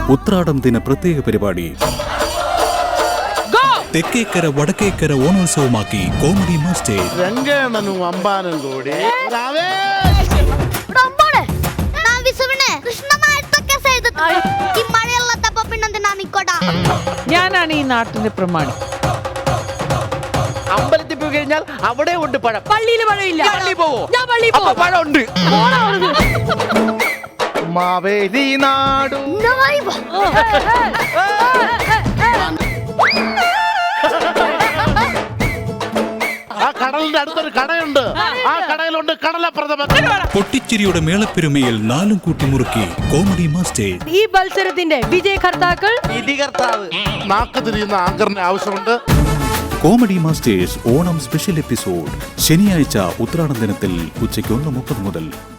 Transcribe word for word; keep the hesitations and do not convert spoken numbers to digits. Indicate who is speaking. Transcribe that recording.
Speaker 1: ഉത്രാടം ദിന പ്രത്യേക പരിപാടി. തെക്കേക്കര വടക്കേക്കര ഓണോത്സവമാക്കി കോമഡി മാസ്റ്റേഴ്സ്.
Speaker 2: രംഗേണനും അമ്പാനും കൂടി
Speaker 3: ഞാനാണ് ഈ നാട്ടിന്റെ പ്രമാണി.
Speaker 4: അമ്പലത്തിൽ പോയി കഴിഞ്ഞാൽ അവിടെ ഉണ്ട് പഴം.
Speaker 3: പള്ളിയിൽ പഴമില്ല.
Speaker 4: പള്ളി പോവോ?
Speaker 3: ഞാൻ പള്ളി പോവും.
Speaker 4: പഴം ഉണ്ട്.
Speaker 2: മാവേലി നാടു ആ കടലിന്റെ അടുത്തൊരു കടയുണ്ട്. ആ കടയിലുണ്ട് കടലപ്രഥമൻ.
Speaker 1: പൊട്ടിച്ചിരിയുടെ മേളപ്പെരുമയിൽ നാലും കൂട്ടി മുറുക്കി കോമഡി മാസ്റ്റേഴ്സ്.
Speaker 3: ഈ മത്സരത്തിന്റെ വിജയകർത്താക്കൾ
Speaker 4: വിധികർത്താവ്
Speaker 2: നാക്ക് തിരിയുന്ന ആങ്കറിന് ആവശ്യമുണ്ട്.
Speaker 1: Comedy masters Onam special episode ശനിയാഴ്ച ഉത്രാടം ദിനത്തിൽ ഉച്ചയ്ക്ക് ഒന്ന് മുപ്പത് മുതൽ.